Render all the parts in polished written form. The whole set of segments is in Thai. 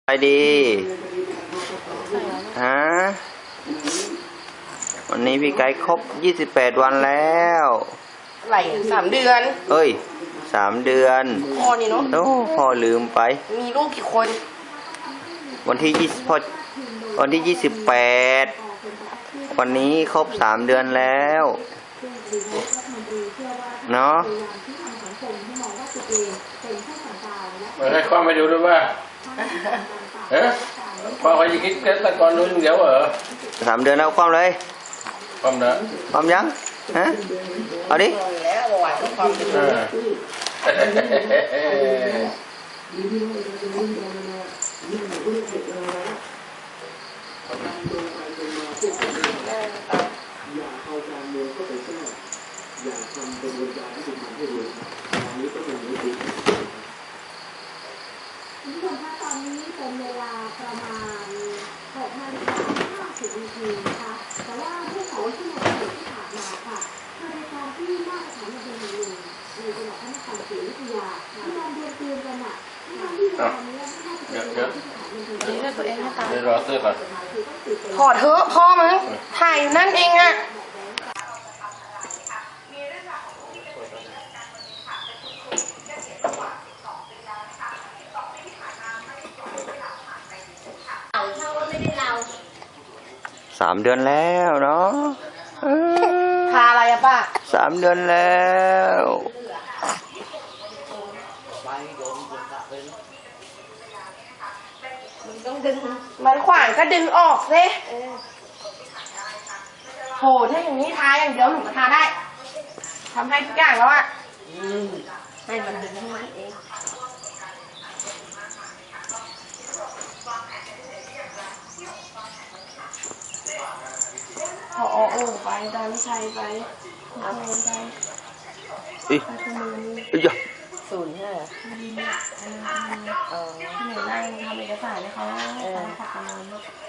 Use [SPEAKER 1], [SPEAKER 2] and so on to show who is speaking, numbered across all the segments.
[SPEAKER 1] ไปดีฮะวันนี้พี่ไก่ครบ28 วันแล้ว
[SPEAKER 2] ไหล3 เดือน
[SPEAKER 1] เอ้ย3 เดือน
[SPEAKER 2] พ่อนี่เนาะ
[SPEAKER 1] โอ้พ่อลืมไป
[SPEAKER 2] มีลูกกี่คน
[SPEAKER 1] วันที่28วันนี้ครบ3 เดือนแล้วเนาะ
[SPEAKER 3] ให้ความไปดูด้วยว่าพอเขาจะคิดเกิดตะกอนนู้นเดี๋ยว
[SPEAKER 1] 3 เดือนแล้วความเลย
[SPEAKER 3] ความเด้อ
[SPEAKER 1] ความยังฮะเอาดิ
[SPEAKER 2] แล้วไหวก็ความ
[SPEAKER 4] คุณผู้ชมคะตอนนี้เป็นเวลาประมาณ6:50 นาทีนะคะแต่ว่าเมื่อ2 ชั่วโมงที่ผ่านมาค่ะทางรายการที่หน้าสถานีบันเทิงในจังหวัดพระนครศรีอยุธยามีการดวลปืนกันอ่ะที่ตอนนี้ไม่น่าจะเป็นที่สถานีบันเทิง
[SPEAKER 2] ตัวเองนะคะ
[SPEAKER 3] เดี๋ยวรอเสื้อก่อน
[SPEAKER 2] ถอดเถอะพ่อมึงถ่ายอยู่นั่นเองอะ
[SPEAKER 1] 3 เดือนแล้วเนาะ
[SPEAKER 2] ทาอะไรอะป้า
[SPEAKER 1] 3 เดือนแล้ว
[SPEAKER 2] มันต้องดึงมันขวางก็ดึงออกสิโหถ้าอย่างนี้ทาอย่างเดียวหนูก็ทาได้ทำให้ทุกอย่างแล้วอะให้มันดึงให้มันเองพอโอ้ไปตามชัยไปเอาไป
[SPEAKER 1] อีอย่า
[SPEAKER 2] 05ที่หนูนั่งทำเอกสารให้เขาขับประมาณ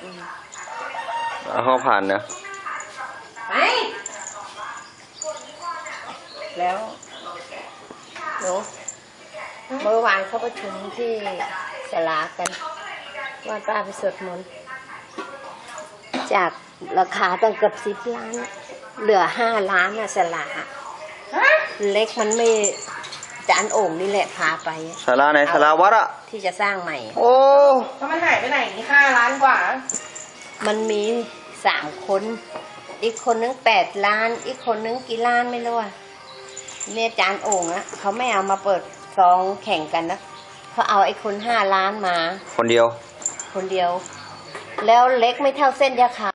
[SPEAKER 1] ห้องผ่านนะ
[SPEAKER 2] ไปแล้วหนูเมื่อวานเขาประชุมที่สลากันว่าป้าไปสวดมนต์จากราคาตั้งเกือบ10 ล้านเหลือ5 ล้านน่ะสลาเล็กมันไม่จานโอ่งนี่แหละพาไป
[SPEAKER 1] ศาลาไหนศาลาวัดอะ
[SPEAKER 2] ที่จะสร้างใหม่
[SPEAKER 1] โอ้
[SPEAKER 2] ถ้ามันหายไปไหนนี่5 ล้านกว่ามันมี3 คนอีกคนนึง8 ล้านอีกคนนึงกี่ล้านไม่รู้อ่ะเนี่ยจานโอ่งอะเขาไม่เอามาเปิดซองแข่งกันนะเขาเอาไอ้คน5 ล้านมา
[SPEAKER 1] คนเดียว
[SPEAKER 2] แล้วเล็กไม่เท่าเส้นยาขาว